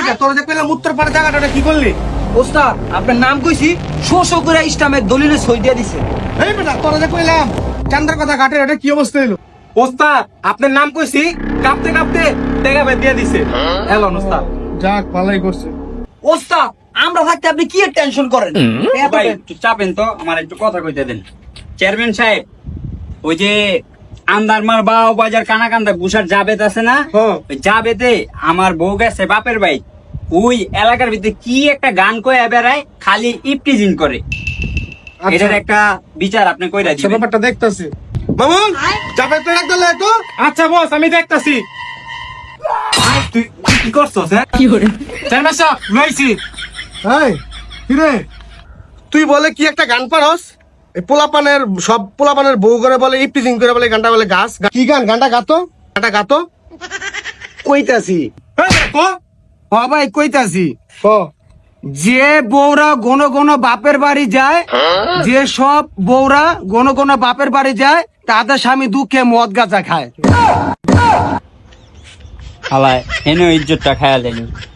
বেটা তোর যে কইলাম উত্তর পাড়া জায়গাটা কি করলি? ওস্তাদ আপনার নাম কইছি শো শো করে ইসলামের দলিলে সই দিয়ে দিছে। এই বেটা তোর যে কইলাম চান্দার কথা ঘাটের এটা কি অবস্থা হইলো? ওস্তাদ আপনার নাম কইছি কাঁপতে কাঁপতে টেকা বের দিয়ে দিছে। এলো ওস্তাদ। যাক ভালোই করছে। ওস্তাদ আমরা থাকতে আপনি কি টেনশন করেন? ভাই একটু চাপেন তো, আমার একটু কথা কইতে দেন। চেয়ারম্যান সাহেব, ওই যে আন্দারমার বাও বাজার কানাকান্দা গুসার জাবেদ আছে না, ওই জাবেদে আমার বউ গেছে বাপের ভাই, ওই এলাকার ভিতরে কি একটা গান কয়ে বেড়ায়, খালি ইপটিজিং করে। এটার একটা বিচার আপনি কইরা আচ্ছা দিবেন। ব্যাপারটা দেখতাছি। মামুন যাবে তো এক দলে তো। আচ্ছা বস আমি দেখতাছি। তুই কি করছস? হ্যাঁ চেয়ারম্যান সাহেব লইছি। এই কিরে তুই বলে কি একটা গান পারস? এই পোলাপানের সব পোলাপানের বউ করে বলে ইপটিজিং করে বলে গানটা বলে গাছ। কি গান? গানটা গাতো, গানটা গাতো। কইতাছি কো হ ভাই কইতাছি ও যে বউরা ঘন ঘন বাপের বাড়ি যায়, যে সব বউরা ঘন ঘন বাপের বাড়ি যায় তাদের স্বামী দুঃখে মদ গাঁজা খায়। হালায় এনে ইজ্জতটা খায়া দেনি।